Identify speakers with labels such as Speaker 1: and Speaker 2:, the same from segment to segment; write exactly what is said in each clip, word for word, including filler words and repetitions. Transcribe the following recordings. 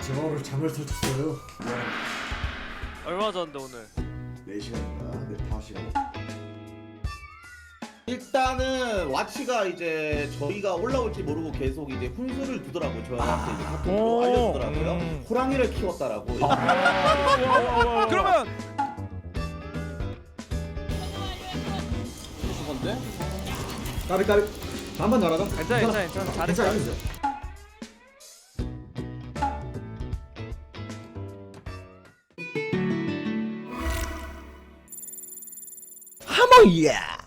Speaker 1: 제가 오늘 잠을 설쳤어요.
Speaker 2: 얼마 전데 오늘?
Speaker 1: 네 시간인가? 네, 다섯 시간.
Speaker 3: 일단은 와치가 이제 저희가 올라올지 모르고 계속 이제 훈수를 두더라고 저희한테 이제 카톡으로
Speaker 4: 오.
Speaker 3: 알려주더라고요.
Speaker 4: 음.
Speaker 3: 호랑이를 키웠다라고.
Speaker 4: 그러면
Speaker 3: 건데?
Speaker 1: 까비 까비. 한번 날아가.
Speaker 2: 괜찮아 괜찮아 괜찮아 잘했어
Speaker 1: 괜찮아.
Speaker 2: 잘했어.
Speaker 1: 하모이야.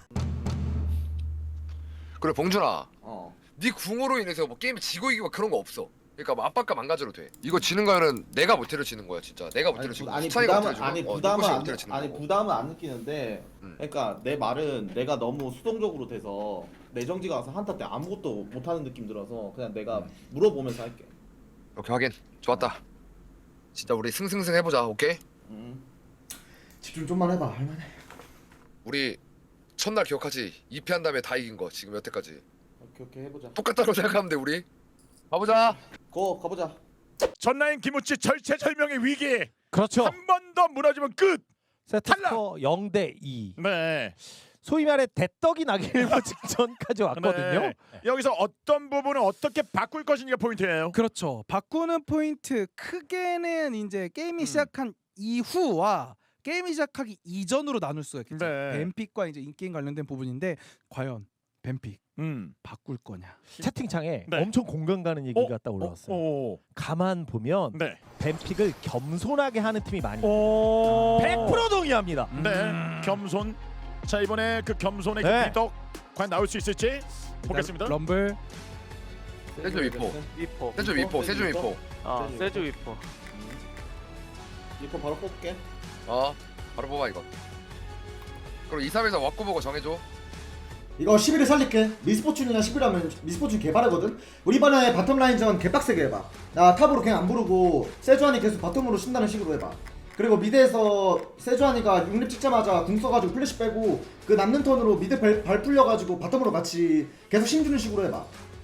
Speaker 5: 그래 봉준아,
Speaker 3: 어.
Speaker 5: 네 궁으로 인해서 뭐 게임 지고 이기고 그런 거 없어. 그러니까 뭐 압박감 안 가져도 돼. 이거 지는 거는 내가 못 때려지는 거야 진짜. 내가 못
Speaker 3: 아니,
Speaker 5: 때려지고
Speaker 3: 부, 아니
Speaker 5: 수찬이가 못
Speaker 3: 부담은
Speaker 5: 때려지고
Speaker 3: 아니
Speaker 5: 어,
Speaker 3: 부담은
Speaker 5: 눈꽃이
Speaker 3: 안
Speaker 5: 못 때려지는
Speaker 3: 아니
Speaker 5: 거고.
Speaker 3: 부담은 안 느끼는데
Speaker 5: 음.
Speaker 3: 그러니까 내 말은 내가 너무 수동적으로 돼서 내정지가 와서 한타 때 아무것도 못하는 느낌 들어서 그냥 내가
Speaker 5: 음.
Speaker 3: 물어보면서 할게.
Speaker 5: 오케이 확인. 좋았다. 진짜 우리 승승승 해보자. 오케이?
Speaker 3: 음.
Speaker 1: 집중 좀만 해봐. 할만해.
Speaker 5: 우리 첫날 기억하지? 이 패 한 다음에 다 이긴 거 지금 여태까지
Speaker 3: 오케이 오케이 해보자.
Speaker 5: 똑같다고 생각하면 돼 우리. 가보자.
Speaker 3: 고 가보자.
Speaker 4: 전라인 김우치 절체절명의 위기.
Speaker 6: 그렇죠.
Speaker 4: 한 번 더 무너지면 끝.
Speaker 6: 세트스코어 영 대 이.
Speaker 4: 네.
Speaker 6: 소위 말해 대떡이 나기 일보 직전까지 왔거든요.
Speaker 4: 네. 여기서 어떤 부분을 어떻게 바꿀 것인지가 포인트예요.
Speaker 7: 그렇죠. 바꾸는 포인트 크게는 이제 게임이
Speaker 4: 음.
Speaker 7: 시작한 이후와 게임이 시작하기 이전으로 나눌 수가 있겠죠.
Speaker 4: 네.
Speaker 7: 뱀픽과 이제 인게임 관련된 부분인데 과연 뱀픽
Speaker 4: 음.
Speaker 7: 바꿀 거냐?
Speaker 6: 채팅창에
Speaker 4: 네.
Speaker 6: 엄청 공감 가는 얘기가
Speaker 4: 어?
Speaker 6: 딱 올라왔어요.
Speaker 4: 오.
Speaker 6: 가만 보면
Speaker 4: 네.
Speaker 6: 뱀픽을 겸손하게 하는 팀이 많이 있어요.
Speaker 4: 오.
Speaker 6: 백 퍼센트 동의합니다.
Speaker 4: 네. 겸손. 자 이번에 그 겸손의
Speaker 6: 네.
Speaker 4: 그 비덕 과연 나올 수 있을지 보겠습니다.
Speaker 7: 럼블
Speaker 5: 세주 위포.
Speaker 2: 위포.
Speaker 5: 세주 위포. 세주 위포.
Speaker 2: 아
Speaker 3: 세주
Speaker 2: 세주 위포.
Speaker 3: 이거 바로 뽑게.
Speaker 5: 어. 바로 뽑아 이거. 그럼 이, 삼에서 왁구 보고 정해줘.
Speaker 1: 이거 십일을 살릴게. 미스포춘이나 십일 하면 미스포춘 개발하거든. 우리 이번에 바텀 라인전 개빡세게 해봐. 나 탑으로 그냥 안 부르고 세주안이 계속 바텀으로 쉰다는 식으로 해봐. 그리고 미드에서 세주안이가 육 렙 찍자마자 궁 써가지고 플래시 빼고 그 남는 턴으로 미드 발, 발 풀려가지고 바텀으로 같이 계속 힘주는 식으로 해봐.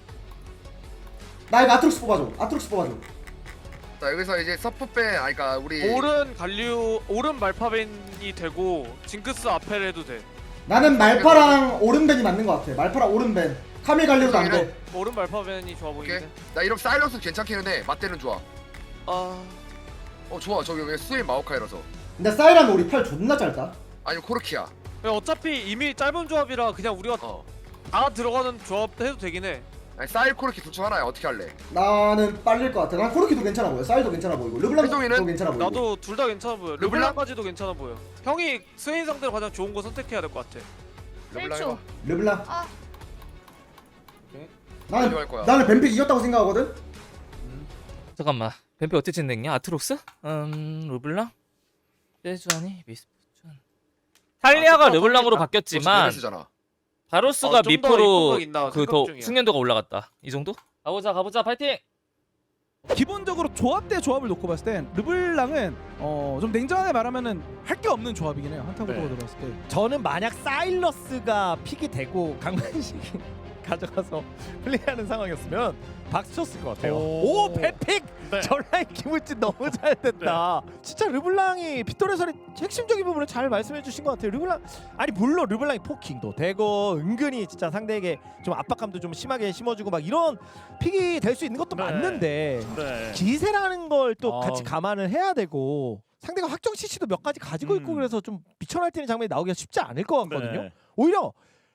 Speaker 1: 나 이거 아트록스 뽑아줘. 아트록스 뽑아줘.
Speaker 5: 자 여기서 이제 서프 빼. 아니 그러니까 우리
Speaker 2: 오른 갈류 오른 말파벤이 되고 징크스 아펠 해도 돼.
Speaker 1: 나는 말파랑 오른벤이 맞는 것 같아. 말파랑 오른벤. 카밀 갈리오도 안 돼.
Speaker 2: 오른 말파벤이 좋아
Speaker 5: 오케이.
Speaker 2: 보이는데.
Speaker 5: 나 이런 사일런스 괜찮기는 해. 맞대는 좋아.
Speaker 2: 아
Speaker 5: 어 좋아. 저기 왜 스웨인 마오카이라서.
Speaker 1: 근데 사이라면 우리 팔 존나 짧다.
Speaker 5: 아니 코르키야.
Speaker 2: 어차피 이미 짧은 조합이라 그냥 우리가
Speaker 5: 어.
Speaker 2: 다 들어가는 조합 해도 되긴 해.
Speaker 5: 아니 사일 코르키 둘 중 하나야. 어떻게 할래?
Speaker 1: 나는 빨릴 것 같아. 난 코르키도 괜찮아 보여. 사이도 괜찮아 보이고. 르블랑도
Speaker 5: 혜정이는?
Speaker 1: 괜찮아 보이고.
Speaker 2: 나도 둘 다 괜찮아 보여.
Speaker 5: 르블랑?
Speaker 2: 르블랑까지도 괜찮아 보여. 형이 스웨인 상대로 가장 좋은 거 선택해야 될 것 같아.
Speaker 5: 르블랑 해봐.
Speaker 1: 르블랑.
Speaker 8: 아.
Speaker 3: 오케이.
Speaker 1: 나는
Speaker 5: 가져갈 거야.
Speaker 1: 나는 뱀픽 이겼다고 생각하거든.
Speaker 9: 잠깐만 뱀피 어떻게 진행냐? 아트록스? 음 르블랑? 세주아니? 미스포춘 탈리아가
Speaker 2: 아,
Speaker 9: 르블랑으로
Speaker 2: 아,
Speaker 9: 바뀌었지만
Speaker 5: 잖아.
Speaker 9: 바로스가
Speaker 2: 어, 좀더
Speaker 9: 미포로
Speaker 2: 입고가 있나
Speaker 9: 그
Speaker 2: 생각
Speaker 9: 더
Speaker 2: 중이야.
Speaker 9: 숙련도가 올라갔다. 이 정도? 가보자 가보자 파이팅!
Speaker 7: 기본적으로 조합 대 조합을 놓고 봤을 땐 르블랑은 어, 좀 냉정하게 말하면은 할 게 없는 조합이긴 해요. 한타 구도가
Speaker 4: 네.
Speaker 7: 들어갔을 때.
Speaker 6: 저는 만약 사일러스가 픽이 되고 강만식이 가져가서 플레이하는 상황이었으면 박수 쳤을 것 같아요.
Speaker 4: 오.
Speaker 6: 오, 뱀픽!
Speaker 4: 네.
Speaker 6: 전라인 김우진 너무 잘 됐다. 진짜 르블랑이 빗돌에서의 핵심적인 부분을 잘 말씀해 주신 것 같아요. 르블랑 아니 물론 르블랑이 포킹도 되고 은근히 진짜 상대에게 좀 압박감도 좀 심하게 심어주고 막 이런 픽이 될 수 있는 것도
Speaker 4: 네.
Speaker 6: 맞는데
Speaker 4: 네.
Speaker 6: 기세라는 걸 또
Speaker 4: 아.
Speaker 6: 같이 감안을 해야 되고 상대가 확정 씨씨도 몇 가지 가지고 있고
Speaker 4: 음.
Speaker 6: 그래서 좀 미쳐 날뛰는 장면이 나오기가 쉽지 않을 것 같거든요.
Speaker 4: 네.
Speaker 6: 오히려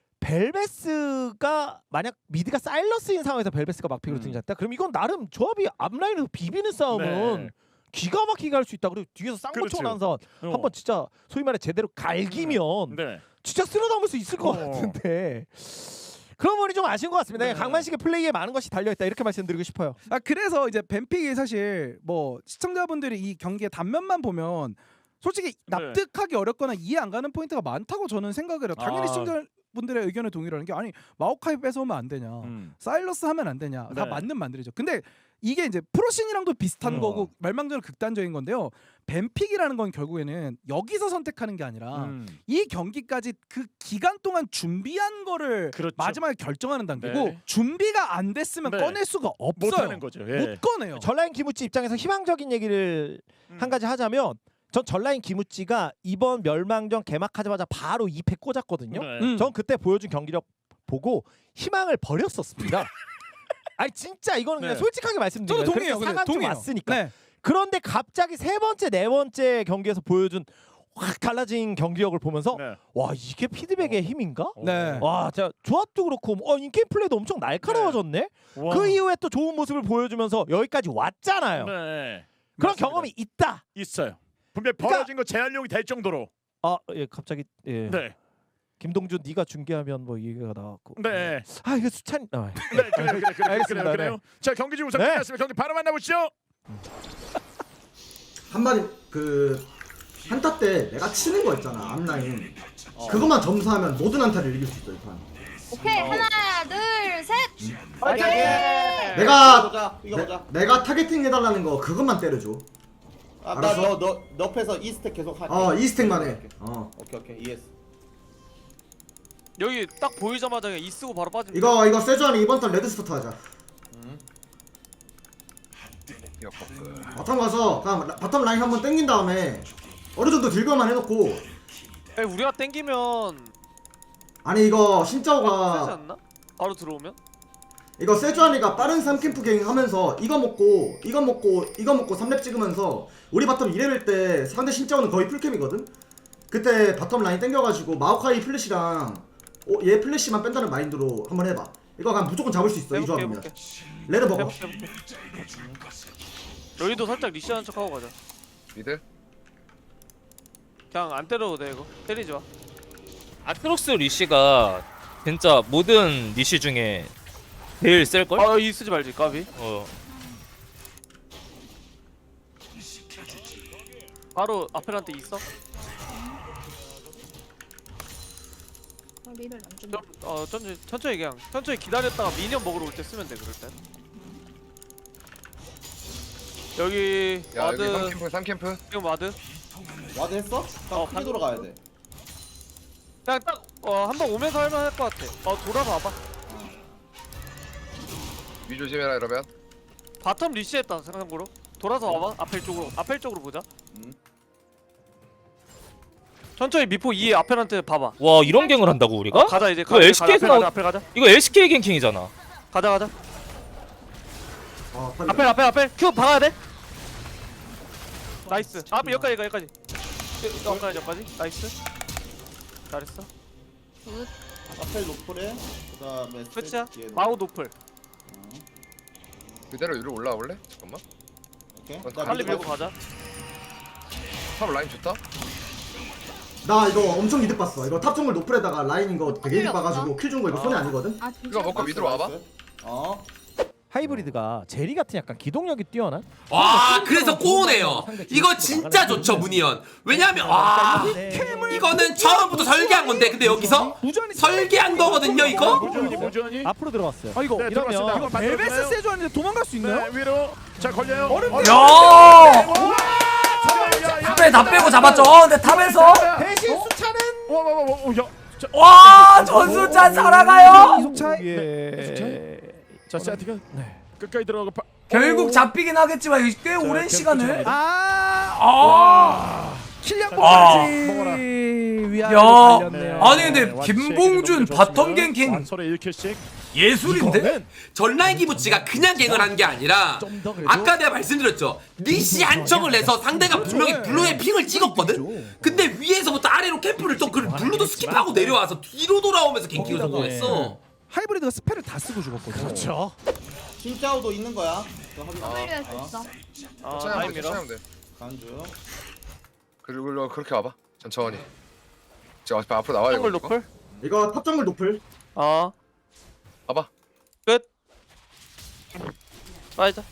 Speaker 6: 벨베스가 만약 미드가 사일러스인 상황에서 벨베스가 막픽으로
Speaker 4: 음.
Speaker 6: 등장했다. 그럼 이건 나름 조합이 앞라인에서 비비는 싸움은
Speaker 4: 네.
Speaker 6: 기가 막히게 할 수 있다. 그리고 뒤에서 쌍권총
Speaker 4: 그렇죠.
Speaker 6: 난선
Speaker 4: 어.
Speaker 6: 한번 진짜 소위 말해 제대로 갈기면
Speaker 4: 네.
Speaker 6: 진짜 쓸어담을 수 있을 것
Speaker 4: 어.
Speaker 6: 같은데 그런 부분이 좀 아쉬운 것 같습니다.
Speaker 4: 네.
Speaker 6: 강만식의 플레이에 많은 것이 달려있다 이렇게 말씀드리고 싶어요.
Speaker 7: 아 그래서 이제 뱀픽이 사실 뭐 시청자분들이 이 경기의 단면만 보면 솔직히 납득하기 어렵거나 이해 안 가는 포인트가 많다고 저는 생각을 해요. 당연히
Speaker 4: 아.
Speaker 7: 시청자 분들의 의견에 동의를 하는 게 아니 마오카이 뺏어오면 안 되냐,
Speaker 4: 음.
Speaker 7: 사일러스 하면 안 되냐, 다
Speaker 4: 네.
Speaker 7: 맞는 말들이죠. 근데 이게 이제 프로신이랑도 비슷한
Speaker 4: 어.
Speaker 7: 거고 말망대로 극단적인 건데요. 뱀픽이라는 건 결국에는 여기서 선택하는 게 아니라
Speaker 4: 음.
Speaker 7: 이 경기까지 그 기간 동안 준비한 거를
Speaker 4: 그렇죠.
Speaker 7: 마지막에 결정하는 단계고
Speaker 4: 네.
Speaker 7: 준비가 안 됐으면
Speaker 4: 네.
Speaker 7: 꺼낼 수가 없어요.
Speaker 4: 못하는 거죠. 예.
Speaker 7: 못 꺼내요.
Speaker 6: 전라인 기무찌 입장에서 희망적인 얘기를
Speaker 4: 음.
Speaker 6: 한 가지 하자면 전 전라인 기무찌가 이번 멸망전 개막하자마자 바로 이 패 꽂았거든요.
Speaker 4: 네.
Speaker 7: 음.
Speaker 6: 전 그때 보여준 경기력 보고 희망을 버렸었습니다. 아니 진짜 이거는 그냥
Speaker 4: 네.
Speaker 6: 솔직하게 말씀드려요.
Speaker 7: 저도 동의해요.
Speaker 6: 그렇게
Speaker 7: 근데
Speaker 6: 상황 좀
Speaker 7: 동의해요.
Speaker 6: 왔으니까.
Speaker 7: 네.
Speaker 6: 그런데 갑자기 세 번째 네 번째 경기에서 보여준 확 달라진 경기력을 보면서
Speaker 4: 네.
Speaker 6: 와 이게 피드백의 힘인가?
Speaker 7: 네.
Speaker 6: 와 진짜 조합도 그렇고 어 인게임 플레이도 엄청 날카로워졌네.
Speaker 4: 와.
Speaker 6: 그 이후에 또 좋은 모습을 보여주면서 여기까지 왔잖아요.
Speaker 4: 네.
Speaker 6: 그런
Speaker 4: 맞습니다.
Speaker 6: 경험이 있다.
Speaker 4: 있어요. 분명 히
Speaker 6: 그러니까-
Speaker 4: 벌어진 거 재활용이 될 정도로.
Speaker 6: 아 예 갑자기 예.
Speaker 4: 네.
Speaker 6: 김동준 네가 중계하면 뭐 얘기가 나왔고.
Speaker 4: 네.
Speaker 6: 아 이거 수찬. 아,
Speaker 4: 네, 그래요, 그래요, 그래요,
Speaker 6: 알겠습니다.
Speaker 4: 그래요, 그래요. 자, 경기 지금 우선
Speaker 6: 네.
Speaker 4: 끝났습니다. 경기 바로 만나보시죠.
Speaker 1: 한마디 그 한타 때 내가 치는 거 있잖아 앞라인. 그것만 점수하면 모든 한타를 이길 수 있어 이 판.
Speaker 8: 오케이 하나 둘 셋.
Speaker 3: 파이팅!
Speaker 1: 내가
Speaker 3: 보자. 이거 보자.
Speaker 1: 내, 내가 타겟팅 해달라는 거 그것만 때려줘.
Speaker 3: 아,
Speaker 1: 알았어.
Speaker 3: 나너너 옆에서 이 스택 계속 할게.
Speaker 1: 어 이 스택만 해. 어
Speaker 3: 오케이 오케이 이해했어.
Speaker 2: 여기 딱 보이자마자 그냥 이 쓰고 바로 빠지면
Speaker 1: 이거 이거 세주안이 이번 턴 레드 스타트 하자.
Speaker 5: 역버프.
Speaker 1: 바텀 가서 그냥 라- 바텀 라인 한번 땡긴 다음에 어느 정도 들고만 해놓고.
Speaker 2: 에, 우리가 땡기면
Speaker 1: 아니 이거
Speaker 2: 세지
Speaker 1: 신짜오가
Speaker 2: 않나? 바로 들어오면?
Speaker 1: 이거 세주안이가 빠른 삼 캠프 갱 하면서 이거 먹고 이거 먹고 이거 먹고 삼 렙 찍으면서 우리 바텀 이 레벨 때 상대 신짜오는 거의 풀캠이거든? 그때 바텀 라인 땡겨가지고 마오카이 플래시랑 어, 얘 플래시만 뺀다는 마인드로 한번 해봐. 이거 그냥 무조건 잡을 수 있어 이
Speaker 2: 해볼게
Speaker 1: 조합이면.
Speaker 2: 해볼게
Speaker 1: 레드 먹어.
Speaker 2: 해볼게 해볼게 여기도 살짝 리시하는 척 하고 가자.
Speaker 5: 미드.
Speaker 2: 그냥 안 때려도 돼 이거. 때리지 마.
Speaker 9: 아트록스 리시가 진짜 모든 리시 중에 제일 셀걸?
Speaker 2: 아이 쓰지 말지 까비.
Speaker 9: 어.
Speaker 2: 바로 아펠한테 있어?
Speaker 8: 리를 안 준다.
Speaker 2: 좀, 어 천천히 천천히 그냥 천천히 기다렸다가 미니언 먹으러 올 때 쓰면 돼 그럴 땐. 여기
Speaker 5: 야 여기
Speaker 2: 와드
Speaker 5: 삼 캠프 삼 캠프.
Speaker 2: 지금 와드
Speaker 3: 와드 했어? 딱
Speaker 2: 어,
Speaker 3: 크게
Speaker 2: 반-
Speaker 3: 돌아가야 돼.
Speaker 2: 그냥 딱어한 번 오면서 할만 할 것 같아. 어 돌아서 와봐.
Speaker 5: 위 조심해라 이러면.
Speaker 2: 바텀 리시했다 생각으로. 돌아서 와봐. 아펠 쪽으로 아펠 쪽으로 보자.
Speaker 3: 음.
Speaker 2: 천천히 미포 이 아펠한테 봐봐.
Speaker 9: 와 이런 갱을 한다고 우리가?
Speaker 2: 어, 가자 이제.
Speaker 9: 그거
Speaker 2: 가자,
Speaker 9: 엘씨케이에서
Speaker 2: 가자,
Speaker 9: 나온-
Speaker 2: 아펠 가자.
Speaker 9: 이거 엘씨케이 갱킹이잖아.
Speaker 2: 가자 가자.
Speaker 1: 어, 빨리.
Speaker 2: 아펠 아펠 아펠 큐 박아야 돼. 나이스. 아펠 여기까지 여기까지. 여기까지 여기까지. 나이스. 잘했어.
Speaker 8: 굿.
Speaker 3: 아펠 노플에 그다음에
Speaker 2: 끝이야.
Speaker 3: 스택 뒤에는.
Speaker 2: 마우 노플.
Speaker 5: 그대로 위로 올라올래? 잠깐만.
Speaker 3: 오케이.
Speaker 5: 빨리
Speaker 3: 자,
Speaker 2: 빨리
Speaker 3: 미드
Speaker 2: 밀고
Speaker 3: 가.
Speaker 2: 가자.
Speaker 5: 탑 라인 좋다.
Speaker 1: 나 이거 엄청 이득 봤어. 이거 탑 정글 노플에다가 라인 이거 되게 이득
Speaker 8: 필요 없어?
Speaker 1: 봐가지고 킬 준 거 이거 손해 아니거든?
Speaker 8: 아 진짜.
Speaker 5: 이거 먹고 미드로 와봐.
Speaker 3: 어.
Speaker 6: 하이브리드가 제리 같은 약간 기동력이 뛰어난.
Speaker 10: 와 그래서 꼬우네요. 이거 진짜 좋죠 문희연. 왜냐면 와 이거는 처음부터 설계한 건데 근데 여기서
Speaker 7: 무전이
Speaker 10: 설계한 거거든요 이거.
Speaker 4: 무전이 무전이.
Speaker 6: 앞으로 들어갔어요.
Speaker 7: 아 이거
Speaker 4: 네,
Speaker 6: 이러면
Speaker 4: 들어갔습니다.
Speaker 7: 이거
Speaker 4: 한번
Speaker 7: 벨베스
Speaker 4: 맞춰주나요?
Speaker 7: 세주안인데 도망갈 수 있나요?
Speaker 4: 네, 위로. 자, 걸려요.
Speaker 7: 어렵네요.
Speaker 10: 야
Speaker 4: 야,
Speaker 10: 탑에 다 빼고 잡았죠. 어, 근데 탑에서
Speaker 6: 대신 수차는
Speaker 4: 와, 와, 와, 와, 와, 야. 자,
Speaker 10: 와 전수찬 살아가요.
Speaker 7: 이속 차이.
Speaker 6: 예.
Speaker 4: 자, 세티가
Speaker 6: 네.
Speaker 4: 끝까지 들어가고 파-
Speaker 10: 결국
Speaker 4: 오.
Speaker 10: 잡히긴 하겠지만 이게 꽤
Speaker 4: 자,
Speaker 10: 오랜
Speaker 4: 계속
Speaker 10: 시간을.
Speaker 4: 쫓아갑니다.
Speaker 7: 아
Speaker 10: 아.
Speaker 7: 킬량까지
Speaker 4: 먹어라.
Speaker 7: 위아래
Speaker 10: 야.
Speaker 7: 달렸네요.
Speaker 10: 아니 근데
Speaker 4: 네,
Speaker 10: 김봉준
Speaker 4: 완치
Speaker 10: 바텀 갱킹
Speaker 4: 완설에 일 킬씩.
Speaker 10: 예술인데? 전라인 기부치가 그냥 갱을 한 게 아니라
Speaker 6: 좀더 그래도
Speaker 10: 아까 내가 말씀드렸죠. 니시 한 척을 내서 상대가 분명히 블루에 핑을 찍었거든? 근데 위에서부터 아래로 캠프를 또 그 블루도 스킵하고 내려와서 뒤로 돌아오면서 갱킹을 성공했어.
Speaker 7: 하이브리드가 스펠을 다 쓰고 죽었거든요.
Speaker 6: 그렇죠.
Speaker 3: 신짜오도 있는 거야. 그거 확인.
Speaker 8: W 수
Speaker 3: 어.
Speaker 8: 있어.
Speaker 2: 어
Speaker 5: 천천히
Speaker 2: 라인
Speaker 5: 하면 돼.
Speaker 2: 밀어.
Speaker 5: 천천히 하면 돼.
Speaker 3: 간주.
Speaker 5: 그리고 그렇게 와봐. 천천히. 지금 앞- 앞으로 나와야
Speaker 2: 정글
Speaker 5: 돼.
Speaker 2: 노플.
Speaker 1: 이거 탑 정글 노플.
Speaker 2: 어
Speaker 5: 봐봐.
Speaker 2: 끝. 빠이자.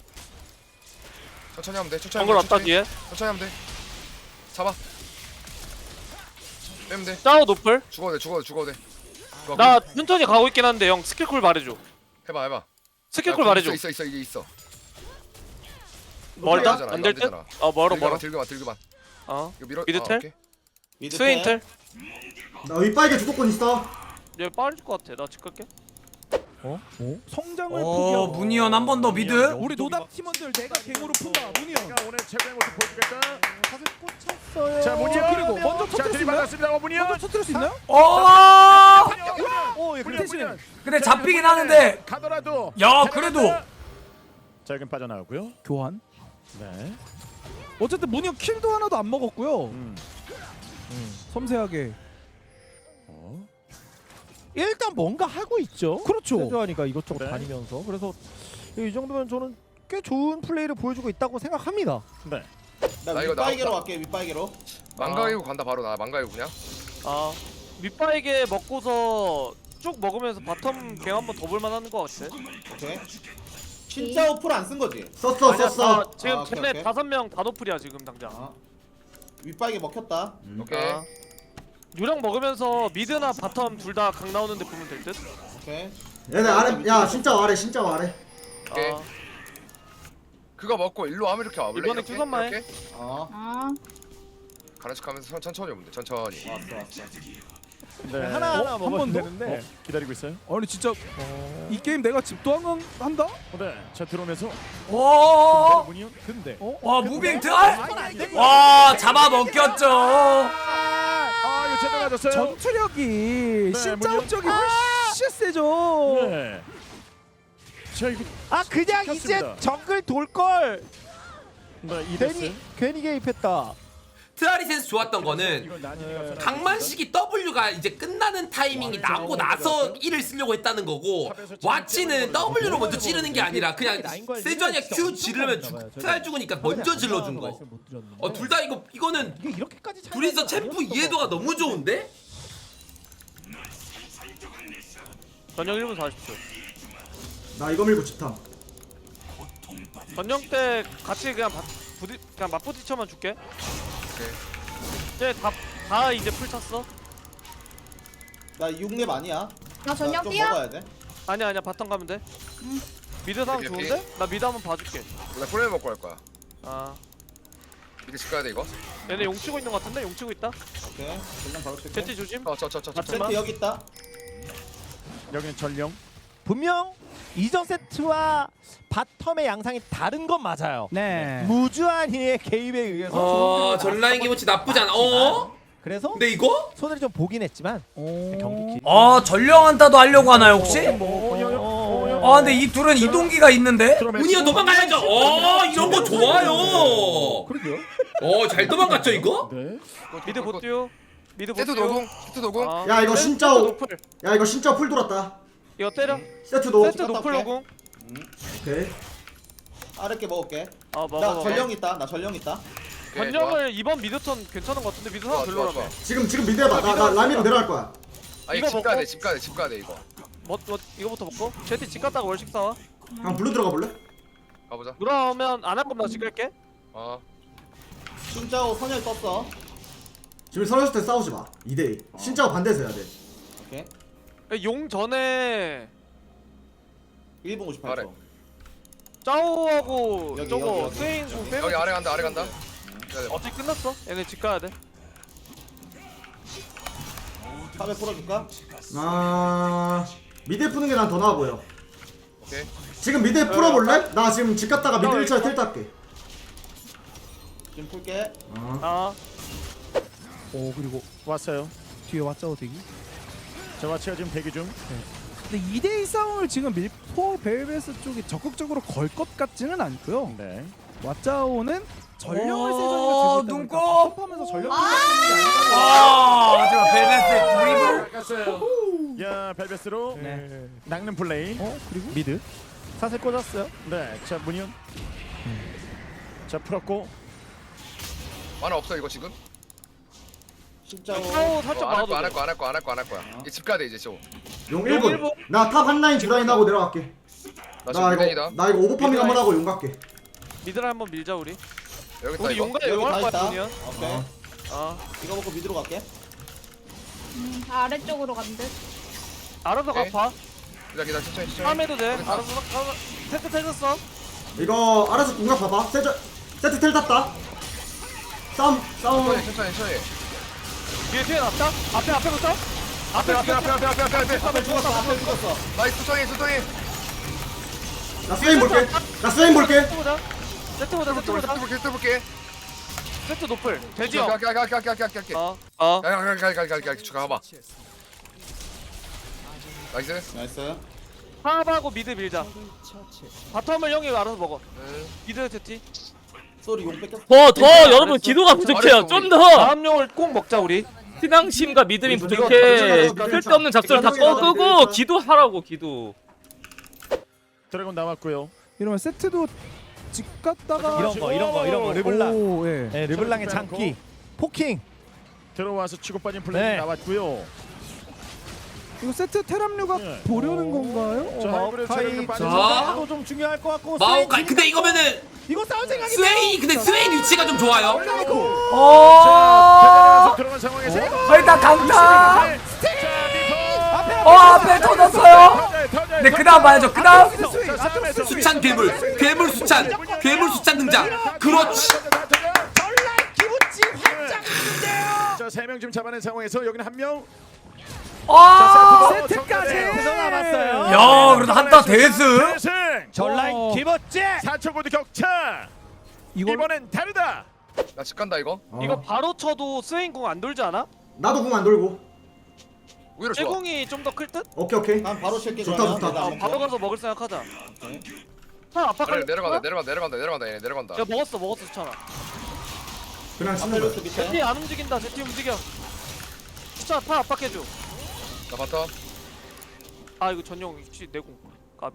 Speaker 5: 천천히 하면 돼. 천천히.
Speaker 2: 정글
Speaker 5: 하면 돼,
Speaker 2: 왔다
Speaker 5: 천천히.
Speaker 2: 뒤에.
Speaker 5: 천천히 하면 돼. 잡아. 빼면 돼.
Speaker 2: 짜오 노플.
Speaker 5: 죽어도 돼. 죽어도 돼. 죽어도 돼. 좋아,
Speaker 2: 나 천천히 가고 있긴 한데 형 스킬쿨 말해줘.
Speaker 5: 해봐 해봐.
Speaker 2: 스킬쿨
Speaker 5: 야,
Speaker 2: 말해줘.
Speaker 5: 있어 있어 있어 이게 있어.
Speaker 2: 멀다?
Speaker 5: 되잖아,
Speaker 2: 안
Speaker 5: 이거
Speaker 2: 될
Speaker 5: 안
Speaker 2: 듯?
Speaker 5: 되잖아.
Speaker 2: 어 멀어
Speaker 5: 들겨봐
Speaker 2: 멀어.
Speaker 5: 들겨봐 들겨봐.
Speaker 2: 어
Speaker 5: 이거 밀어.
Speaker 2: 미드
Speaker 5: 아,
Speaker 2: 텔?
Speaker 5: 오케이.
Speaker 3: 미드
Speaker 2: 스웨인
Speaker 3: 텔.
Speaker 2: 텔?
Speaker 1: 나 윗바에게 주도권 있어.
Speaker 2: 얘 빠질 것 같아. 나 집 갈게.
Speaker 7: 어? 어? 성장을
Speaker 10: 어
Speaker 7: 포기하고
Speaker 10: 문희연 한 번 더 미드.
Speaker 7: 우리 노답 팀원들 내가 갱으로 푼다. 문희연.
Speaker 4: 가 오늘 최고의 모습 보여주겠다.
Speaker 6: 사슬 꽂혔어요.
Speaker 4: 자 문희연.
Speaker 7: 그리고 먼저
Speaker 4: 자
Speaker 7: 터뜨릴 수 있나요?
Speaker 4: 들이받았습니다. 어, 문희연.
Speaker 7: 먼저 터뜨릴 수 있나요?
Speaker 10: 어.
Speaker 7: 어, 예,
Speaker 4: 문희연,
Speaker 7: 대신에
Speaker 4: 문희연.
Speaker 10: 근데
Speaker 4: 자,
Speaker 10: 잡히긴
Speaker 4: 문희연.
Speaker 10: 하는데.
Speaker 4: 가더라도.
Speaker 10: 야 그래도.
Speaker 4: 자 여긴 빠져나오고요.
Speaker 7: 교환.
Speaker 4: 네.
Speaker 7: 어쨌든 문희연 킬도 하나도 안 먹었고요.
Speaker 4: 음.
Speaker 7: 섬세하게.
Speaker 4: 어.
Speaker 6: 일단 뭔가 하고 있죠.
Speaker 7: 그렇죠.
Speaker 6: 세주하니까 이것저것
Speaker 4: 네.
Speaker 6: 다니면서 그래서 이 정도면 저는 꽤 좋은 플레이를 보여주고 있다고 생각합니다.
Speaker 4: 네.
Speaker 3: 나
Speaker 5: 나 이거
Speaker 3: 윗바에게로
Speaker 5: 나-
Speaker 3: 갈게. 윗바에게로.
Speaker 5: 망가이고 간다 바로 나 망가이고 그냥.
Speaker 2: 아 밑바에게 먹고서 쭉 먹으면서 바텀 갱 한번 더 볼만한 것 같아.
Speaker 3: 오케이. 진짜 오플 안 쓴 거지?
Speaker 1: 썼어
Speaker 2: 아니야,
Speaker 1: 썼어.
Speaker 2: 나 지금
Speaker 3: 아, 오케이,
Speaker 2: 쟤네
Speaker 3: 오케이.
Speaker 2: 다섯 명 다 노플이야 지금 당장.
Speaker 3: 아. 윗바에게 먹혔다.
Speaker 5: 오케이.
Speaker 2: 아. 유령 먹으면서 미드나 바텀 둘 다 강 나오는데 보면 될 듯.
Speaker 3: 오케이.
Speaker 1: 얘네 아래 야 진짜 아래 진짜 아래.
Speaker 5: 오케이.
Speaker 2: 아,
Speaker 5: 그거 먹고 일로 와면 이렇게 와볼래?
Speaker 2: 이번에
Speaker 5: 이렇게?
Speaker 2: 큐선만 해.
Speaker 5: 이렇게?
Speaker 3: 어.
Speaker 8: 아
Speaker 5: 가는 척하면서 천- 천천히 오면 돼. 천천히.
Speaker 3: 왔어 왔어.
Speaker 4: 네.
Speaker 6: 하나 하나
Speaker 7: 어?
Speaker 6: 먹으면
Speaker 7: 한 번 더?
Speaker 6: 되는데.
Speaker 4: 어, 기다리고 있어요.
Speaker 7: 아니 진짜 이 게임 내가 집도항 한다?
Speaker 4: 어, 네. 자 들어오면서
Speaker 10: 오.
Speaker 4: 문희연.
Speaker 6: 근데
Speaker 10: 와 무빙 트알. 와 잡아 먹겼죠.
Speaker 4: 아 이거 제대로 맞았어요.
Speaker 7: 전투력이
Speaker 4: 네,
Speaker 7: 신짜옵적이 훨씬 세죠.
Speaker 4: 네. 자 이거
Speaker 6: 아 그냥 이제
Speaker 4: 시켰습니다.
Speaker 6: 정글 돌 걸.
Speaker 4: 네, 이
Speaker 6: 괜히
Speaker 4: 데스.
Speaker 6: 괜히 개입했다.
Speaker 10: 트알이 센스 좋았던 거는
Speaker 4: 이건 난이가
Speaker 10: 강만식이 W가 이제 끝나는 타이밍이 나고 나서 E를 쓰려고 했다는 거고 와치는 W로 먼저 찌르는 게 아니라 그냥 세주아니가 Q 지르면 죽, 트알 죽으니까 먼저 질러준 거. 어 둘 다 이거 이거는
Speaker 6: 이게 이렇게까지 차이가
Speaker 10: 둘이서 챔프
Speaker 6: 아니었던 것
Speaker 10: 이해도가 너무 좋은데?
Speaker 2: 전령 일 분 사십 초.
Speaker 1: 나 이거 밀고 집탐.
Speaker 2: 전령 때 같이 그냥 바, 부디, 그냥 맞부딪혀만 줄게. 쟤다 다 이제 풀 찼어.
Speaker 3: 나 육 렙 아니야.
Speaker 8: 나 전력
Speaker 3: 좀
Speaker 8: 뛰어?
Speaker 3: 먹어야 돼.
Speaker 2: 아니야 아니야 바텀 가면 돼. 미드 상황
Speaker 5: 오케이, 오케이.
Speaker 2: 좋은데? 나 미드 한번 봐줄게.
Speaker 5: 나 프레임 먹고 갈 거야.
Speaker 2: 아
Speaker 5: 이제 집 가야 돼 이거.
Speaker 2: 얘네 용 치고 있는 것 같은데? 용 치고 있다.
Speaker 3: 오케이. 전령 바로 칠게.
Speaker 2: 제티 조심.
Speaker 5: 어저저저 저.
Speaker 2: 맞지마.
Speaker 3: 세트 여기 있다.
Speaker 4: 여기는 전령.
Speaker 6: 분명 이전 세트와 바텀의 양상이 다른 건 맞아요.
Speaker 7: 네.
Speaker 6: 무주한이의 개입에 의해서
Speaker 10: 어
Speaker 6: 좋은
Speaker 10: 전라인 기모치 나쁘지 않아. 어?
Speaker 6: 그래서
Speaker 10: 근데 이거?
Speaker 6: 손을 좀 보긴 했지만
Speaker 7: 오.
Speaker 6: 경기 길.
Speaker 10: 어 전령 한타도 하려고 하나요 혹시?
Speaker 6: 어,
Speaker 10: 아 근데 이 둘은 이동기가 있는데?
Speaker 4: 들어오면
Speaker 10: 문희연 도망가야죠. 어 이런 거 좋아요.
Speaker 6: 그러게요.
Speaker 10: 어 잘 도망갔죠 이거?
Speaker 4: 네.
Speaker 2: 미드 못 뛰어. 미드 못
Speaker 5: 세트
Speaker 2: 뛰어.
Speaker 5: 노공. 세트 노공.
Speaker 2: 아,
Speaker 1: 야, 이거
Speaker 2: 세트
Speaker 1: 진짜 오-
Speaker 2: 노플.
Speaker 1: 야 이거 진짜 풀 돌았다.
Speaker 2: 이거 때려.
Speaker 1: 세트도.
Speaker 2: 세트 노플 노공.
Speaker 1: 오케이.
Speaker 3: 아랫게 먹을게.
Speaker 2: 아 먹어
Speaker 3: 나
Speaker 2: 먹어.
Speaker 3: 전령 있다. 나 전령 있다.
Speaker 5: 오케이, 좋아.
Speaker 2: 전령을 이번 미드 턴 괜찮은 것 같은데 미드 상황
Speaker 5: 좋아,
Speaker 2: 별로라며.
Speaker 5: 좋아, 좋아.
Speaker 1: 지금 지금 미드 해봐. 나 나 라미로 내려갈 거야.
Speaker 5: 아
Speaker 2: 이거
Speaker 5: 이거 집 가야
Speaker 2: 먹고?
Speaker 5: 돼. 집 가야 돼. 집 가야 돼 이거.
Speaker 2: 뭐, 뭐 이거부터 먹고. 제티 집 갔다가 월식 사와.
Speaker 1: 그냥 블루 들어가 볼래?
Speaker 5: 가보자.
Speaker 2: 그러면 안 할 거면 나집 갈게.
Speaker 5: 어.
Speaker 3: 진짜오 선열 떴어.
Speaker 1: 지금 서렸을 때 싸우지 마. 이 대 이. 진짜 반대에서 해야 돼.
Speaker 3: 오케이.
Speaker 2: 용 전에
Speaker 3: 일 분 오십팔 초.
Speaker 5: 아래.
Speaker 2: 짜오하고
Speaker 3: 여기,
Speaker 2: 저거
Speaker 3: 여기, 여기.
Speaker 2: 스웨인 공 빼고
Speaker 5: 여기 아래 간다. 아래 간다.
Speaker 2: 어차피 끝났어. 얘네 집 가야 돼.
Speaker 3: 탑에 풀어줄까?
Speaker 1: 아 미드 푸는 게 난 더 나아 보여.
Speaker 5: 오케이.
Speaker 1: 지금 미드 풀어볼래? 나 지금 집 갔다가 미드
Speaker 2: 어,
Speaker 1: 일 차에
Speaker 2: 이거?
Speaker 1: 틸 딸게.
Speaker 3: 지금 풀게.
Speaker 1: 어.
Speaker 2: 아
Speaker 7: 오 그리고
Speaker 4: 왔어요.
Speaker 7: 뒤에 왔자오 대기.
Speaker 4: 자 와치가 지금 대기 중.
Speaker 7: 근데 이 대 이 싸움을 지금 밀포 벨베스 쪽이 적극적으로 걸 것 같지는 않고요.
Speaker 4: 네.
Speaker 7: 왓자오는 전령을
Speaker 10: 어,
Speaker 7: 세전이가 들고
Speaker 10: 눈곱!
Speaker 7: 탑하면서 전령
Speaker 8: 아!
Speaker 10: 와 하지만 벨벳의 드리블.
Speaker 4: 갔어요. 야 벨베스로
Speaker 7: 네.
Speaker 4: 낚는 플레이.
Speaker 6: 어 그리고 미드 사슬 꽂았어요.
Speaker 4: 네. 자 문희연. 자 풀었고.
Speaker 5: 만화 없어 이거 지금.
Speaker 3: 진짜오.
Speaker 2: 짜오 살짝
Speaker 5: 안 할
Speaker 2: 막아도
Speaker 5: 거야. 안 할
Speaker 2: 돼.
Speaker 5: 거야. 안 할 거야. 안 할 거야. 안 할 거야. 이제 집 가야 돼 이제 저.
Speaker 1: 용
Speaker 2: 용
Speaker 1: 일 분.
Speaker 2: 일 분.
Speaker 1: 나 탑 한 라인 두 라인 하고 내려갈게.
Speaker 5: 나
Speaker 1: 나
Speaker 5: 지금
Speaker 1: 이거
Speaker 5: 미드이다.
Speaker 1: 나 이거 오버파밍
Speaker 2: 미드
Speaker 1: 한번
Speaker 2: 라인.
Speaker 1: 하고 용 갈게.
Speaker 2: 미드를 한번 밀자 우리.
Speaker 5: 여기 있다
Speaker 2: 우리
Speaker 5: 이거.
Speaker 2: 용가
Speaker 3: 여기
Speaker 2: 용할
Speaker 3: 다
Speaker 2: 거야
Speaker 3: 있다.
Speaker 2: 돈이야.
Speaker 3: 오케이.
Speaker 2: 아
Speaker 3: 이거 먹고 미드로 갈게.
Speaker 8: 음, 아래쪽으로 간 듯.
Speaker 2: 알아서
Speaker 5: 오케이.
Speaker 2: 갚아.
Speaker 5: 기다려 기다려 천천히 천천히.
Speaker 2: 다음에도 돼. 알아서 갚아. 세트 텔졌어.
Speaker 1: 이거 알아서 공략 봐봐. 세트 세트 텔 탔다. 싸움 싸움.
Speaker 5: 천천히 천천히 천천히.
Speaker 2: 뒤에 뒤에 놨다. 앞에 앞에부터. 앞에
Speaker 5: 앞에 앞에 앞에 앞에 앞에 앞에.
Speaker 1: 앞에 죽었어. 앞에 죽었어.
Speaker 5: 나이스 천천히 천천히.
Speaker 1: 나 스웨인 볼게. 나 스웨인 볼게.
Speaker 2: 세트 보자. 세트 보자. 세트 보자.
Speaker 5: 볼게 또 볼게.
Speaker 2: 세트 노플. 돼지 형.
Speaker 5: 갈게 갈게 갈게 갈게 갈게.
Speaker 2: 어. 어.
Speaker 5: 갈갈갈갈갈갈 추가 가봐. 나이스.
Speaker 3: 나이스.
Speaker 2: 하하고 미드 밀자. 바텀을 형이 알아서 먹어.
Speaker 5: 응.
Speaker 2: 미드 세티.
Speaker 3: 쏘리 용 뺏겼어.
Speaker 9: 더 더 여러분 기도가 부족해요. 좀 더
Speaker 2: 다음 용을 꼭 먹자 우리.
Speaker 9: 신앙심과 믿음이
Speaker 1: 이거
Speaker 9: 부족해.
Speaker 1: 이거
Speaker 9: 쓸데없는 작전을 다
Speaker 1: 이거
Speaker 9: 꺼 끄고
Speaker 1: 이거
Speaker 9: 기도하라고 기도.
Speaker 4: 드래곤 남았고요.
Speaker 7: 이러면 세트도 집 갔다가
Speaker 6: 이런 거 이런 거 이런 거 르블랑.
Speaker 7: 오, 예.
Speaker 6: 네, 르블랑의 장기. 포킹.
Speaker 4: 들어와서 치고 빠진 플레이
Speaker 6: 네.
Speaker 4: 나왔고요.
Speaker 7: 이거 세트 테람류가
Speaker 4: 네.
Speaker 7: 보려는 건가요?
Speaker 4: 자, 하이브리드 체력이
Speaker 6: 마오카이
Speaker 4: 빠지죠.
Speaker 6: 자, 좀 중요할 것 같고.
Speaker 10: 마오카이 근데 이거면은
Speaker 6: 이거 싸울 생각이
Speaker 10: 스웨인 근데 스웨인 위치가 좀 좋아요.
Speaker 4: 자, 들어간 상황에서
Speaker 11: 거의 다 강타.
Speaker 4: 자,
Speaker 11: 어 앞에 터졌어요.
Speaker 4: 미포.
Speaker 11: 네 그다음 봐야죠. 그다음
Speaker 10: 수찬 괴물 괴물 수찬 괴물 수찬 등장. 그렇지.
Speaker 6: 기분지 확장인데요.
Speaker 4: 자, 세 명 지금 잡아낸 상황에서 여기는 한 명.
Speaker 11: 아.
Speaker 4: 세트까지.
Speaker 6: 그래서 남았어요.
Speaker 11: 야 그래도 한타 대승.
Speaker 4: 대승.
Speaker 6: 전라인
Speaker 7: 어.
Speaker 6: 기버째.
Speaker 4: 사 초 고드 격차.
Speaker 7: 이걸
Speaker 4: 이번엔 다르다.
Speaker 5: 나 집 간다 이거.
Speaker 1: 어.
Speaker 2: 이거 바로 쳐도 스웨인 공 안 돌지 않아?
Speaker 1: 나도 공 안 돌고.
Speaker 5: 오히려 좋아.
Speaker 2: 쇠공이 좀 더 클 듯?
Speaker 1: 오케이 오케이.
Speaker 3: 난 바로 칠게.
Speaker 1: 좋다,
Speaker 3: 그러면.
Speaker 1: 좋다.
Speaker 3: 내가
Speaker 2: 아,
Speaker 3: 먼저.
Speaker 2: 바로 가서 먹을 생각하자. 형 아빠
Speaker 5: 그래
Speaker 2: 갈
Speaker 5: 내려간다 내려간다 내려간다 내려간다 얘네 내려간다.
Speaker 2: 야 먹었어 먹었어 수찬아.
Speaker 1: 그냥 치는 거야.
Speaker 3: 아펠로스 밑에.
Speaker 2: 제티 안 움직인다. 제티 움직여. 수찬 파 압박해줘.
Speaker 5: 나 바텀.
Speaker 2: 아 이거 전용 혹시 내공 까비?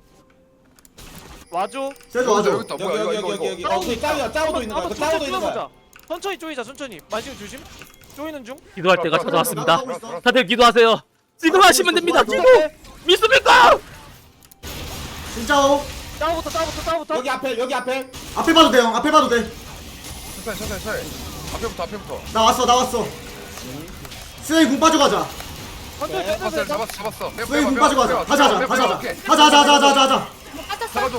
Speaker 2: 와줘.
Speaker 1: 세주 와줘.
Speaker 5: 여기 있다.
Speaker 3: 여기
Speaker 5: 뭐야 이거
Speaker 3: 여기
Speaker 5: 이거
Speaker 3: 여기
Speaker 5: 이거.
Speaker 3: 여기. 어, 그 짜오야. 짜오도 있는 거야. 그
Speaker 2: 천천히
Speaker 3: 짜오도 있는 거야.
Speaker 2: 쪼여보자. 천천히 쪼이자 천천히. 만지면 조심. 쪼이는 중.
Speaker 9: 기도할 때가 찾아왔습니다.
Speaker 1: 나도 하고 있어.
Speaker 9: 다들 기도하세요. 지금 하시면 됩니다. 지금 믿습니까?
Speaker 1: 진짜오.
Speaker 2: 짜오부터 짜오부터 짜오부터.
Speaker 3: 여기 앞에 여기 앞에.
Speaker 1: 앞에 봐도 돼 형. 앞에 봐도 돼.
Speaker 5: 천천히 천천히 천천히. 앞에부터 앞에부터.
Speaker 1: 나 왔어 나 왔어. 스웨인 공 빠져가자.
Speaker 2: 천천히
Speaker 3: 네,
Speaker 2: 천천히.
Speaker 5: 잡았어 잡았어. 빼봐,
Speaker 1: 스웨인 공
Speaker 5: 빼봐,
Speaker 1: 빠져가자.
Speaker 5: 빼봐,
Speaker 1: 다시 하자
Speaker 5: 빼봐,
Speaker 1: 다시 하자.
Speaker 5: 오케이.
Speaker 1: 하자 하자 하자 하자 하자.
Speaker 8: 빠졌어.
Speaker 5: 잡아줘.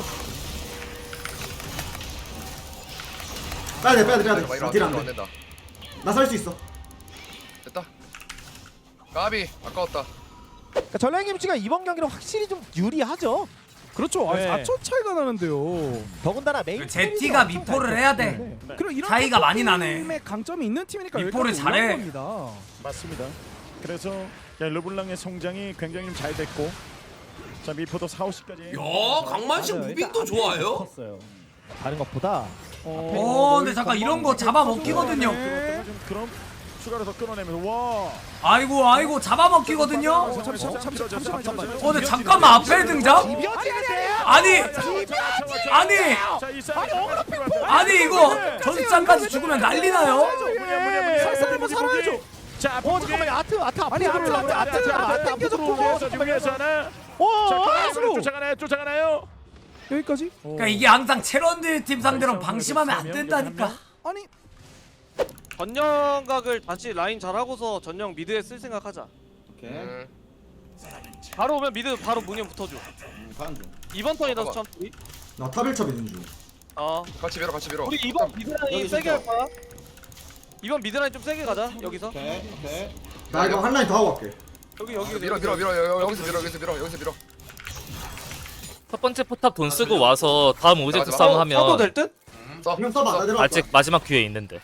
Speaker 1: 빼야 돼 빼야 돼 빼야
Speaker 5: 막 이러면
Speaker 1: 돼. 딜
Speaker 5: 안
Speaker 1: 안
Speaker 5: 된다.
Speaker 1: 돼. 나 살 수 있어.
Speaker 5: 됐다. 까비 아까웠다.
Speaker 6: 그러니까 전라인 김치가 이번 경기는 확실히 좀 유리하죠.
Speaker 7: 그렇죠. 아,
Speaker 6: 네.
Speaker 7: 사 초 차이가 나는데요.
Speaker 6: 더군다나 메인
Speaker 11: 그 제티가 미포를 해야 돼.
Speaker 6: 네.
Speaker 7: 그리고 이런
Speaker 11: 차이가 많이 나네.
Speaker 7: 팀의 강점이 있는 팀이니까
Speaker 11: 미포를
Speaker 7: 여기까지
Speaker 11: 잘해.
Speaker 7: 올라온 겁니다.
Speaker 4: 맞습니다. 그래서 야, 르블랑의 성장이 굉장히 잘 됐고. 자, 미포도 사, 오십까지.
Speaker 10: 야 강만식 무빙도 좋아요.
Speaker 6: 컸어요. 다른 것보다
Speaker 11: 어 근데 잠깐 이런 거 잡아먹기거든요.
Speaker 4: 들어왔다가 좀 그럼 추가로 더 끊어내면서 와.
Speaker 11: 아이고 아이고 잡아먹기거든요.
Speaker 4: 어,
Speaker 7: 잠시만, 잠시만, 잠시만, 잠시만.
Speaker 11: 어 근데 잠깐만 앞에 등장? 아니 아니
Speaker 4: 자, 이 싸움.
Speaker 11: 아니 이거 전장까지 죽으면 난리 나요.
Speaker 7: 살살 한번 살아야죠.
Speaker 4: 자,
Speaker 6: 어 잠깐만 아트 아트
Speaker 7: 아니,
Speaker 6: 앞으로
Speaker 7: 아트,
Speaker 6: 들어오려고
Speaker 7: 아트,
Speaker 6: 아트
Speaker 7: 아트,
Speaker 6: 아트
Speaker 7: 아트
Speaker 6: 앞으로
Speaker 7: 당겨줬고.
Speaker 4: 자, 위에서 하나. 자,
Speaker 6: 와
Speaker 4: 그럼 쫓아가나요? 쫓아가나요?
Speaker 7: 여기까지?
Speaker 11: 그러니까 이게 항상 체런들 팀 상대로 방심하면 안 된다니까.
Speaker 7: 아니
Speaker 2: 전령각을 다시 라인 잘하고서 전령 미드에 쓸 생각하자.
Speaker 3: 오케이.
Speaker 5: 음.
Speaker 2: 바로 오면 미드 바로 문연 붙어줘.
Speaker 3: 음, 가는 중.
Speaker 2: 이번 턴이다
Speaker 5: 잠깐만.
Speaker 2: 수찬 우리.
Speaker 1: 나 탑일첩 있는 중.
Speaker 2: 어.
Speaker 5: 같이 밀어 같이 밀어.
Speaker 2: 우리 이번 미드 라인
Speaker 3: 여기
Speaker 2: 세게
Speaker 3: 진짜.
Speaker 2: 할 거야. 이번 미드 라인 좀 세게 가자 여기서.
Speaker 3: 오케이 오케이.
Speaker 1: 나 이거 한 라인 더 하고 갈게.
Speaker 2: 여기 여기
Speaker 5: 밀어 밀어 밀어 여- 여기서 밀어 여기서 밀어 여기서 밀어.
Speaker 9: 첫 번째 포탑 돈 쓰고 와서 다음 오젝트
Speaker 5: 맞아.
Speaker 9: 싸움
Speaker 2: 써도
Speaker 9: 하면
Speaker 2: 될 듯?
Speaker 5: 써.
Speaker 1: 형 써봐. 나 내려갈 거야.
Speaker 9: 아직 마지막 기회 있는데.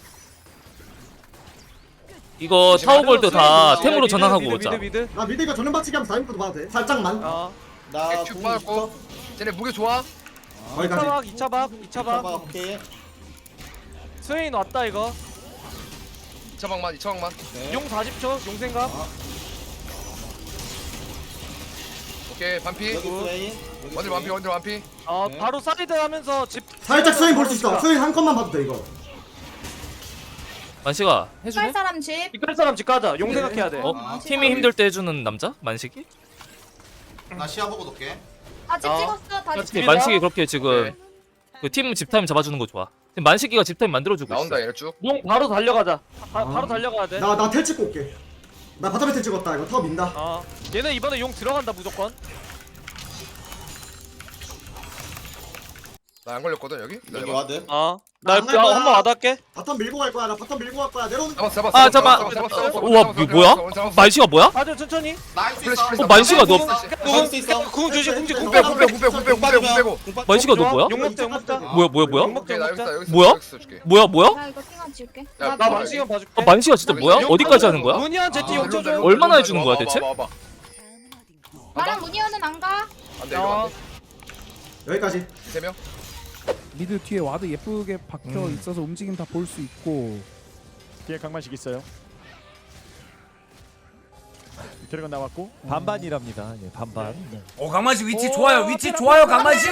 Speaker 9: 이거 타워골도 다
Speaker 2: 미드,
Speaker 9: 템으로
Speaker 2: 미드,
Speaker 9: 전환하고
Speaker 2: 미드,
Speaker 9: 오자.
Speaker 2: 미드 미드.
Speaker 1: 나 미드가 전면 박치기 하면 다인부터 봐도 돼. 살짝만.
Speaker 2: 어.
Speaker 3: 나
Speaker 5: 큐
Speaker 3: 공
Speaker 5: 빠졌고. 쟤네 무게 좋아.
Speaker 1: 거기까지.
Speaker 2: 이 차 박, 이 차 박, 이 차
Speaker 3: 봐봐
Speaker 2: 박.
Speaker 3: 오케이.
Speaker 2: 스웨인 왔다 이거.
Speaker 5: 이 차방만 이 차방만.
Speaker 3: 오케이.
Speaker 2: 용 사십 초, 용 생각.
Speaker 5: 오케이 반피.
Speaker 3: 여기 스웨인. 여기
Speaker 5: 원딜 완피 원딜 완피.
Speaker 2: 어,
Speaker 3: 네.
Speaker 2: 바로 사이드 하면서 집.
Speaker 1: 살짝 스웨인 볼 수 있어. 스웨인 한 컷만 봐도 돼 이거.
Speaker 9: 만식아
Speaker 8: 할
Speaker 9: 해주네?
Speaker 8: 사람 집.
Speaker 2: 이끌 사람 집 가자. 용 생각해야 돼.
Speaker 9: 어?
Speaker 8: 아,
Speaker 9: 팀이 힘들 때 해주는 남자? 만식이?
Speaker 3: 나 시야 보고 놓게.
Speaker 8: 아, 집
Speaker 2: 어.
Speaker 8: 찍었어. 다
Speaker 2: 야,
Speaker 8: 집.
Speaker 2: 집-
Speaker 9: 만식이 그렇게 지금
Speaker 5: 네.
Speaker 9: 그 팀 집타임 잡아주는 거 좋아. 지금 만식이가 집타임 만들어주고 있어.
Speaker 5: 나온다 얘네 쭉.
Speaker 2: 용 바로 달려가자. 바,
Speaker 1: 아.
Speaker 2: 바로 달려가야 돼.
Speaker 1: 나 나 텔 찍고 올게. 나 바텀 배틀 찍었다. 이거 타워 민다.
Speaker 2: 어 얘네 이번에 용 들어간다 무조건.
Speaker 5: 나 안 걸렸거든 여기.
Speaker 3: 여기
Speaker 5: 기다려봐.
Speaker 3: 와드.
Speaker 2: 어나
Speaker 1: 나안 갈 거야.
Speaker 2: 한번 와닿게.
Speaker 1: 바텀 밀고 갈 거야. 나 바텀 밀고 갈 거야. 내려오는.
Speaker 5: 잡았어 잡았어.
Speaker 9: 아, 잠깐만.
Speaker 5: 잡았어, 잡았어, 잡았어,
Speaker 9: 우와
Speaker 5: 잡았어,
Speaker 9: 이거 뭐야?
Speaker 5: 잡았어, 잡았어.
Speaker 9: 만시가 뭐야?
Speaker 2: 가져 천천히.
Speaker 3: 나이스
Speaker 5: 플래시, 플래시.
Speaker 9: 어 만시가 너
Speaker 3: 잡을 수 있어.
Speaker 2: 궁 조심 궁 조심 궁
Speaker 5: 빼,
Speaker 2: 빼고
Speaker 5: 궁 빼고, 궁 빼고, 궁 빼고, 궁 빼고, 궁 빼고.
Speaker 9: 만시가 너 뭐야?
Speaker 2: 용 먹자 용 먹자.
Speaker 9: 뭐야 뭐야 뭐야?
Speaker 2: 용 먹자
Speaker 5: 오케이
Speaker 2: 용
Speaker 5: 나 여기서
Speaker 2: 먹자.
Speaker 5: 여기서
Speaker 9: 뭐야?
Speaker 5: 여기서 줄게.
Speaker 9: 뭐야 뭐야?
Speaker 8: 나 이거 팅한 지울게.
Speaker 5: 야,
Speaker 8: 나
Speaker 2: 나
Speaker 8: 뭐-
Speaker 2: 망치경 봐줄게.
Speaker 9: 아 만시가 진짜 뭐야? 어디까지 하는 거야?
Speaker 2: 문희한 제티 용 쳐줘.
Speaker 5: 일로,
Speaker 9: 얼마나
Speaker 5: 일로,
Speaker 9: 해주는
Speaker 5: 일로,
Speaker 9: 거야,
Speaker 5: 와봐,
Speaker 9: 대체?
Speaker 5: 와봐, 와봐.
Speaker 8: 나랑 문희연은 안 가.
Speaker 5: 안 돼, 이거 안 돼.
Speaker 1: 여기까지.
Speaker 5: 세 명?
Speaker 7: 미드 뒤에 와드 예쁘게 박혀 있어서 움직임 다 볼 수 있고.
Speaker 4: 뒤에 강만식 있어요. 드래곤 나왔고
Speaker 6: 반반이랍니다. 예, 반반. 네.
Speaker 11: 오 강만식 위치 좋아요. 위치 좋아요 강만식.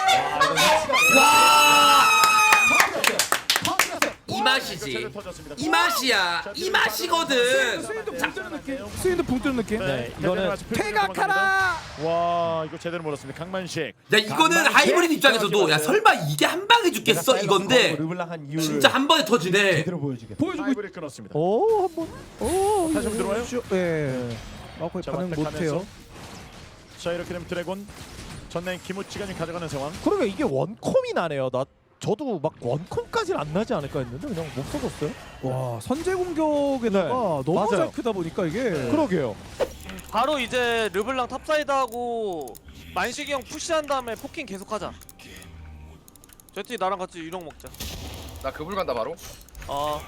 Speaker 10: 이 맛이지.
Speaker 4: 제대로 터졌습니다.
Speaker 10: 이 맛이야. 이 맛이거든.
Speaker 7: 스윈도 붕 뜨는 느낌. 스윈도 붕 뜨는 느낌.
Speaker 4: 네,
Speaker 6: 이거는
Speaker 7: 퇴각하라.
Speaker 4: 와 이거 제대로 몰았습니다. 강만식.
Speaker 10: 야 이거는 하이브리드 입장에서도 야 설마 이게 한 방에 죽겠어 이건데
Speaker 6: 르블랑 한 이유를
Speaker 10: 진짜 한 번에 터지네.
Speaker 6: 제대로 보여주겠다.
Speaker 7: 보여주고.
Speaker 4: 하이브를 끊었습니다.
Speaker 6: 오 한번. 오
Speaker 4: 다시 한번 들어와요?
Speaker 7: 예. 아 거의
Speaker 4: 자,
Speaker 7: 반응
Speaker 4: 완택하면서.
Speaker 7: 못해요.
Speaker 4: 자 이렇게 되면 드래곤 전라인 김우치가 지금 가져가는 상황.
Speaker 6: 그러게 이게 원콤이 나네요. 나 저도 막 원콤까지는 안 나지 않을까 했는데 그냥 못 써줬어요.
Speaker 7: 와 선제 공격에다가 너무
Speaker 6: 네. 맞아요.
Speaker 7: 잘 크다 보니까 이게.
Speaker 6: 그러게요.
Speaker 2: 바로 이제 르블랑 탑사이드하고 만식이 형 푸시한 다음에 포킹 계속하자. 제티 나랑 같이 유령 먹자.
Speaker 5: 나 그불 간다 바로.
Speaker 2: 어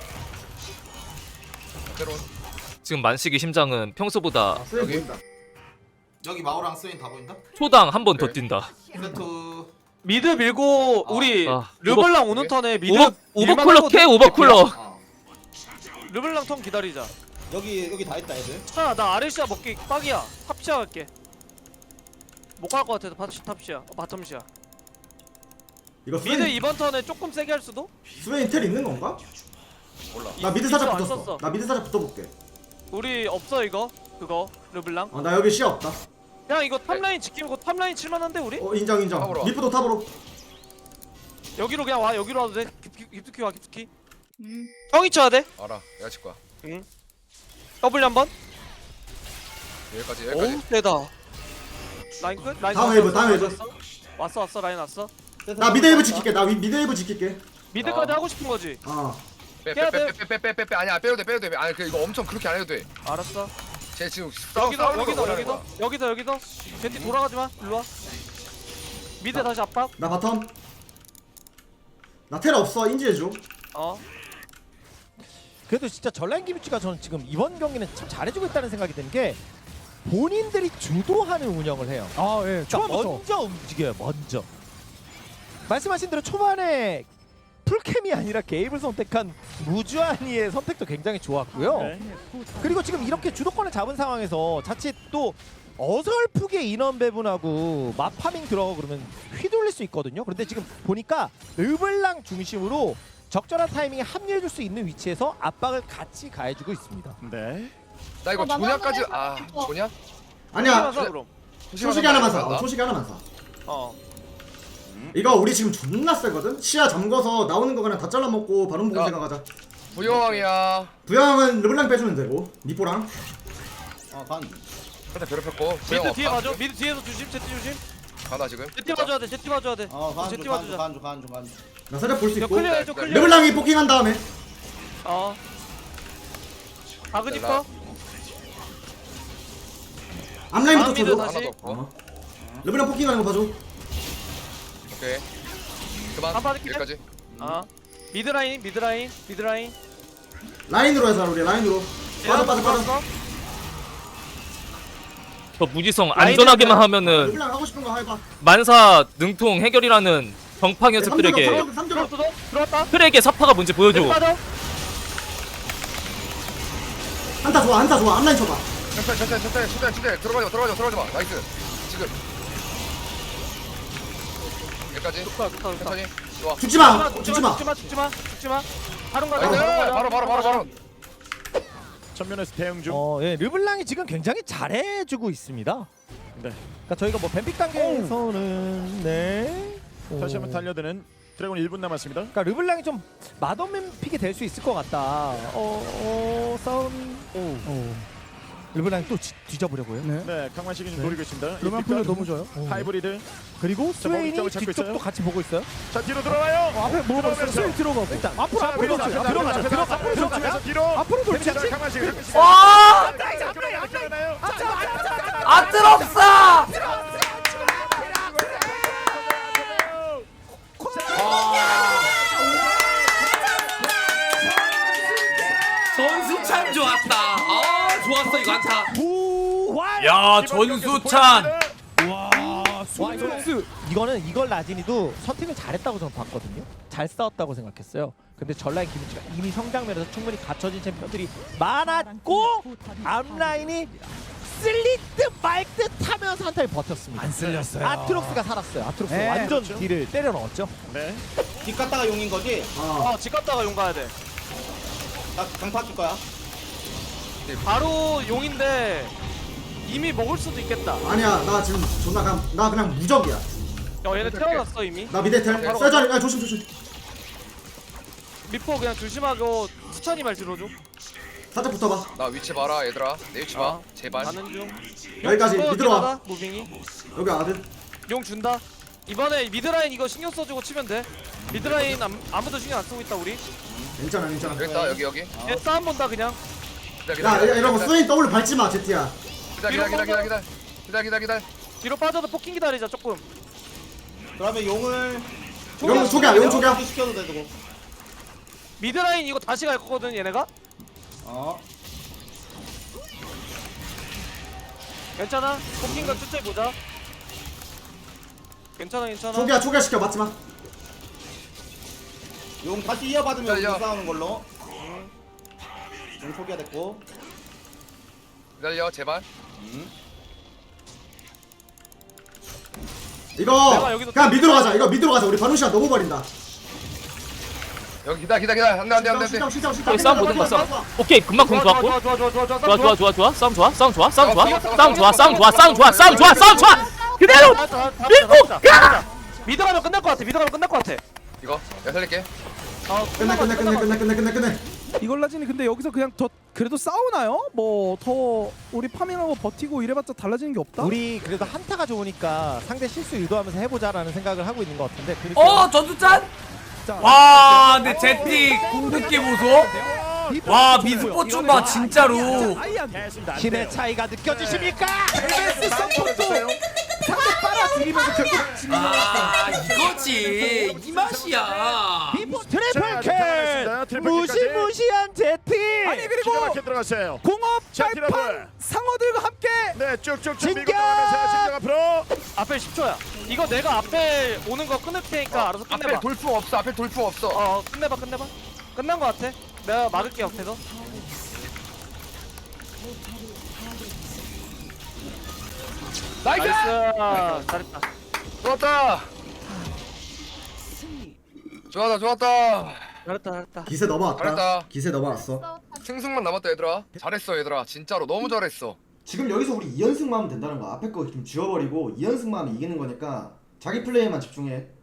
Speaker 5: 새로운.
Speaker 9: 지금 만식이 심장은 평소보다
Speaker 1: 스웨
Speaker 5: 여기?
Speaker 1: 보인다.
Speaker 3: 여기 마오랑 스웨인 다 보인다?
Speaker 9: 초당 한 번 더
Speaker 5: 네.
Speaker 9: 뛴다.
Speaker 3: 세트.
Speaker 2: 미드 밀고 우리
Speaker 9: 아,
Speaker 2: 르블랑 오는 턴에 미드
Speaker 9: 오버
Speaker 2: 밀만
Speaker 9: 오버쿨러
Speaker 2: 하거든?
Speaker 9: 캐 오버쿨러.
Speaker 3: 어.
Speaker 2: 르블랑 턴 기다리자.
Speaker 3: 여기 여기 다 있다 애들.
Speaker 2: 자, 나 아레시아 먹기 빡이야. 탑시아 갈게. 못 갈 것 같아서 탑시 탑시아. 어, 바텀시아.
Speaker 1: 이거
Speaker 2: 미드
Speaker 1: 스웨인
Speaker 2: 이번 턴에 조금 세게 할 수도?
Speaker 1: 스웨인 텔 있는 건가?
Speaker 5: 몰라.
Speaker 1: 나 미드
Speaker 2: 이-
Speaker 1: 살짝
Speaker 2: 이거 안
Speaker 1: 붙었어.
Speaker 2: 썼어.
Speaker 1: 나 미드 살짝 붙어볼게.
Speaker 2: 우리 없어 이거. 그거 르블랑.
Speaker 1: 어, 나 여기 시야 없다.
Speaker 2: 그냥 이거 탑라인 지키고 탑라인 칠만한데 우리?
Speaker 1: 어 인정 인정.
Speaker 5: 탑으로 와.
Speaker 1: 리프도 탑으로.
Speaker 2: 여기로 그냥 와. 여기로 와도 돼. 깊- 깊숙이 와 깊숙이.
Speaker 8: 음.
Speaker 2: 형이 쳐야 돼.
Speaker 5: 알아. 내가 칠 거야.
Speaker 2: 더블 한번.
Speaker 5: 여기까지 여기까지.
Speaker 2: 오우 세다. 라인 끝. 라인
Speaker 1: 다음
Speaker 2: 왔어,
Speaker 1: 웨이브,
Speaker 2: 왔어,
Speaker 1: 다음 웨이브.
Speaker 2: 왔어. 왔어 왔어 라인 왔어.
Speaker 1: 나 미드 웨이브 지킬게. 나 위- 미드 웨이브 지킬게.
Speaker 2: 미드까지
Speaker 5: 어.
Speaker 2: 하고 싶은 거지.
Speaker 1: 어.
Speaker 2: 깨야 돼.
Speaker 5: 빼빼빼빼빼빼빼 아니야 빼도 돼 빼도 돼. 아니 그 이거 엄청 그렇게 안 해도 돼.
Speaker 2: 알았어.
Speaker 5: 쟤 지금 싸우
Speaker 2: 여기서
Speaker 5: 싸우는 거
Speaker 2: 여기서
Speaker 5: 뭐라는
Speaker 2: 여기서
Speaker 5: 거야.
Speaker 2: 여기서 여기서 젠티 돌아가지 마. 일로 와. 미드 다시 압박.
Speaker 1: 나 바텀. 나 텔 없어. 인지해줘.
Speaker 2: 어.
Speaker 6: 그래도 진짜 전라인 김치가 저는 지금 이번 경기는 참 잘해주고 있다는 생각이 드는 게 본인들이 주도하는 운영을 해요.
Speaker 7: 아 예.
Speaker 6: 그러니까
Speaker 7: 초반부터.
Speaker 6: 먼저 움직여요. 먼저. 말씀하신 대로 초반에 풀캠이 아니라 게임을 선택한 무주한이의 선택도 굉장히 좋았고요.
Speaker 4: 네.
Speaker 6: 그리고 지금 이렇게 주도권을 잡은 상황에서 자칫 또 어설프게 인원 배분하고 마파밍 들어가고 그러면 휘둘릴 수 있거든요. 그런데 지금 보니까 르블랑 중심으로 적절한 타이밍에 합류해줄 수 있는 위치에서 압박을 같이 가해주고 있습니다.
Speaker 4: 네.
Speaker 5: 나 이거
Speaker 8: 어, 나도
Speaker 5: 조냐까지
Speaker 8: 한번
Speaker 5: 아
Speaker 8: 해봐.
Speaker 5: 조냐?
Speaker 1: 아니야.
Speaker 2: 사 그럼.
Speaker 1: 초식이 하나만 사. 어, 초식이 하나만 사.
Speaker 2: 어.
Speaker 1: 이거 우리 지금 존나 세거든? 시야 잠궈서 나오는 거 그냥 다 잘라먹고 바론 보고
Speaker 5: 야.
Speaker 1: 생각하자.
Speaker 5: 부여왕이야.
Speaker 1: 부양은 르블랑 빼주면 되고 미포랑.
Speaker 3: 어 반.
Speaker 5: 일단 괴롭혔고. 부여왕
Speaker 2: 미드 뒤에
Speaker 5: 없다.
Speaker 2: 봐줘. 미드 뒤에서 조심. 제티 조심.
Speaker 5: 가나 지금.
Speaker 2: 제티 봐줘야 돼. 제티 봐줘야 돼.
Speaker 3: 어 간주
Speaker 2: 제티
Speaker 3: 간주
Speaker 2: 봐주자.
Speaker 3: 간주 간주 간주.
Speaker 1: 나 살짝 볼 수
Speaker 2: 야
Speaker 1: 있고.
Speaker 2: 클리어 해줘. 클리어.
Speaker 1: 르블랑이 포킹한 다음에
Speaker 2: 어. 아그니까.
Speaker 5: 라-
Speaker 1: 앞라인부터
Speaker 2: 다음 미드
Speaker 1: 쳐줘.
Speaker 2: 다시.
Speaker 5: 하나도 없고.
Speaker 1: 어. 르블랑 포킹하는 거 봐줘.
Speaker 5: 오케이. 그만.
Speaker 2: 한 바퀴
Speaker 5: 여기까지.
Speaker 2: 아. 미드 라인. 미드 라인. 미드 라인.
Speaker 1: 라인으로 해서 우리 라인으로. 빠져 빠져 빠져.
Speaker 2: 들어왔어.
Speaker 9: 저 무지성 안전하게만 하면은
Speaker 1: 르블랑 하고 싶은 거 해봐.
Speaker 9: 만사 능통 해결이라는 정파 녀석들에게
Speaker 1: 삼 점.
Speaker 2: 들어왔어. 들어왔다.
Speaker 9: 트랙의 사파가 뭔지 보여줘.
Speaker 2: 제티 빠져.
Speaker 1: 한타 좋아 한타 좋아. 앞라인 쳐봐.
Speaker 5: 천천히 천천히 천천히 천천히 천천히 들어가지 마 들어가지 마 들어가지 마. 나이스. 지금. 여기까지.
Speaker 2: 좋다. 좋다. 좋다.
Speaker 5: 천천히. 좋아.
Speaker 1: 죽지 마. 죽지 마.
Speaker 2: 죽지 마. 죽지 마. 죽지 마. 바로 가자.
Speaker 5: 나이스.
Speaker 2: 바로 가자.
Speaker 5: 바로 바로 바로 바로.
Speaker 4: 전면에서 대응 중.
Speaker 6: 어, 예, 르블랑이 지금 굉장히 잘해주고 있습니다.
Speaker 4: 네.
Speaker 6: 그러니까 저희가 뭐 뱀픽 단계에서는 네.
Speaker 4: 다시
Speaker 6: 어.
Speaker 4: 한번 달려드는 드래곤 일 분 남았습니다.
Speaker 6: 그러니까 르블랑이 좀 맛없는 픽이 될 수 있을 것 같다. 어, 어 싸움이. 오. 르블랑이 또 지- 뒤져보려고요.
Speaker 7: 네.
Speaker 4: 네, 강만식이 지금
Speaker 6: 네.
Speaker 4: 노리고 있습니다.
Speaker 7: 로만 플레이 너무 좋아요.
Speaker 4: 하이브리드.
Speaker 6: 그리고
Speaker 4: 자, 머리
Speaker 6: 스웨인이
Speaker 4: 쪽을 잡고
Speaker 6: 뒤쪽도
Speaker 4: 있어요.
Speaker 6: 같이 보고 있어요.
Speaker 4: 자, 뒤로 들어와요.
Speaker 7: 어, 앞에 뭐
Speaker 4: 들어오면서.
Speaker 7: 스윙 들어가고
Speaker 6: 일단 앞으로
Speaker 4: 자,
Speaker 6: 앞으로
Speaker 4: 앞으로
Speaker 6: 돌지.
Speaker 4: 앞으로
Speaker 6: 들어가자.
Speaker 4: 앞으로
Speaker 6: 들어가자.
Speaker 4: 앞으로
Speaker 6: 들어가자.
Speaker 4: 들어가면서 뒤로.
Speaker 6: 앞으로 돌지.
Speaker 4: 자, 강만식.
Speaker 11: 와 아트록사
Speaker 10: 전수 참 좋았다. 아 좋았어 이거 한타.
Speaker 6: 부활.
Speaker 11: 야 전수찬
Speaker 6: 와, 이거는, 이거는 이걸 라진이도 선택을 잘했다고 저는 봤거든요. 잘 싸웠다고 생각했어요. 근데 전라인 김우치가 이미 성장면에서 충분히 갖춰진 챔피언들이 많았고 앞라인이 쓸릴 듯 말 듯 하면서 한 타임 버텼습니다.
Speaker 7: 안 쓸렸어요.
Speaker 6: 아트록스가 살았어요. 아트록스
Speaker 7: 네,
Speaker 6: 완전
Speaker 4: 그렇죠.
Speaker 6: 딜을 때려 넣었죠.
Speaker 4: 네.
Speaker 3: 뒷 갔다가 용인 거지?
Speaker 1: 어.
Speaker 2: 어집 갔다가 용 가야 돼.
Speaker 3: 나 강파 줄 거야.
Speaker 2: 바로 용인데 이미 먹을 수도 있겠다.
Speaker 1: 아니야 나 지금 존나 그냥 나 그냥 무적이야.
Speaker 2: 야 얘네 태어났어 이미.
Speaker 1: 나 미대 텔.
Speaker 2: 바로
Speaker 1: 세주아니 아 조심 조심.
Speaker 2: 미포 그냥 조심하고 수찬이 말 들어줘.
Speaker 1: 살짝 붙어봐.
Speaker 5: 나 위치 봐라 얘들아. 내 위치 봐.
Speaker 2: 아,
Speaker 5: 제발.
Speaker 2: 가는 중.
Speaker 1: 여기까지
Speaker 2: 용
Speaker 1: 미드로 와.
Speaker 2: 준다, 무빙이.
Speaker 1: 여기 아들.
Speaker 2: 용 준다. 이번에 미드라인 이거 신경 써주고 치면 돼. 미드라인 암, 아무도 신경 안 쓰고 있다 우리.
Speaker 1: 괜찮아 괜찮아.
Speaker 5: 여기 있다 여기 여기.
Speaker 2: 얘 싸움 본다 그냥.
Speaker 5: 기다
Speaker 1: 야 이러고 스웨인 더블 밟지 마 제티야.
Speaker 5: 기다 기다 기다 기다 기다 기다 기다 기다.
Speaker 2: 뒤로 빠져도 포킹 기다리자 조금.
Speaker 3: 그러면 용을
Speaker 1: 용 초기야 용 초기야.
Speaker 3: 시켜도 되고.
Speaker 2: 미드라인 이거 다시 갈 거거든 얘네가.
Speaker 3: 어.
Speaker 2: 괜찮아. 포킹과 쫓아 보자. 괜찮아 괜찮아.
Speaker 1: 초기야 초기야 시켜 맞지 마.
Speaker 3: 용 다시 이어받으면
Speaker 5: 달려.
Speaker 3: 우리 싸우는 걸로. 용 초기화 됐고.
Speaker 5: 기다려 제발.
Speaker 1: 이거
Speaker 2: 내가 여기서
Speaker 1: 그냥 미드로 가자. 이거 미드로 가자. 우리 바누시아 너무 버린다.
Speaker 5: 여기 기다 기다 기다. 안돼 안돼 안돼 안돼.
Speaker 1: 시작 시작 시작.
Speaker 9: 여기 싸움 보는 거 싸움. 오케이 금방 공
Speaker 2: 좋아
Speaker 9: 좋았고.
Speaker 2: 좋아 좋아 좋아 좋아
Speaker 9: 좋아 좋아 좋아 좋아 싸움 좋아 싸움 좋아 싸움 좋아 싸움 좋아 싸움 좋아 싸움 좋아 싸움 좋아 싸움 좋아 그대로 밀고 가.
Speaker 2: 미드 가면 끝날 것 같아. 미드 가면 끝날 것 같아.
Speaker 5: 이거 내가 살릴게.
Speaker 2: 어
Speaker 1: 끝내 끝내 끝내 끝내 끝내 끝내 끝내.
Speaker 7: 이걸 라진이 근데 여기서 그냥 더 그래도 싸우나요? 뭐 더 우리 파밍하고 버티고 이래봤자 달라지는 게 없다.
Speaker 6: 우리 그래도 한타가 좋으니까 상대 실수 유도하면서 해보자라는 생각을 하고 있는 것 같은데. 그렇게
Speaker 11: 어 전수찬
Speaker 7: 자,
Speaker 11: 와 근데 제티 궁극기 보소 와 미스포춘 봐 진짜로
Speaker 7: 아예 안
Speaker 4: 됐습니다. 안
Speaker 6: 힘의
Speaker 4: 돼요.
Speaker 6: 차이가 느껴지십니까?
Speaker 7: 엠에스 서포트 상대 빨아들이면서 결국 진다.
Speaker 10: 아 이거지 이 맛이야.
Speaker 6: 비포
Speaker 4: 자,
Speaker 6: 트리플
Speaker 4: 들어가겠습니다.
Speaker 6: 킬
Speaker 4: 트리플 킬까지.
Speaker 6: 무시무시한 제티.
Speaker 7: 아니
Speaker 4: 기가
Speaker 7: 그리고
Speaker 4: 막히게 들어갔어요.
Speaker 7: 공업
Speaker 4: 자,
Speaker 7: 발판
Speaker 4: 트러블.
Speaker 7: 상어들과 함께
Speaker 4: 네, 쭉쭉쭉
Speaker 6: 진격!
Speaker 4: 밀고 들어가면서 진격 앞으로.
Speaker 2: 앞에 십 초야. 이거 내가 앞에 오는 거 끊을 테니까 알아서
Speaker 5: 앞에
Speaker 2: 끝내봐.
Speaker 5: 돌풍 없어. 앞에 돌풍 없어.
Speaker 2: 어 끝내봐 끝내봐. 끝난 거 같아. 내가 막을게 옆에서.
Speaker 5: 나이스.
Speaker 2: 나이스. 잘했다.
Speaker 5: 좋았다. 좋았다 좋았다.
Speaker 2: 잘했다 잘했다.
Speaker 1: 기세 넘어왔다.
Speaker 5: 잘했다.
Speaker 1: 기세 넘어왔어.
Speaker 5: 승승만 남았다 얘들아. 잘했어 얘들아. 진짜로 너무 잘했어.
Speaker 1: 지금 여기서 우리 이 연승만 하면 된다는 거야. 앞에 거 좀 지워버리고 이 연승만 하면 이기는 거니까 자기 플레이에만 집중해.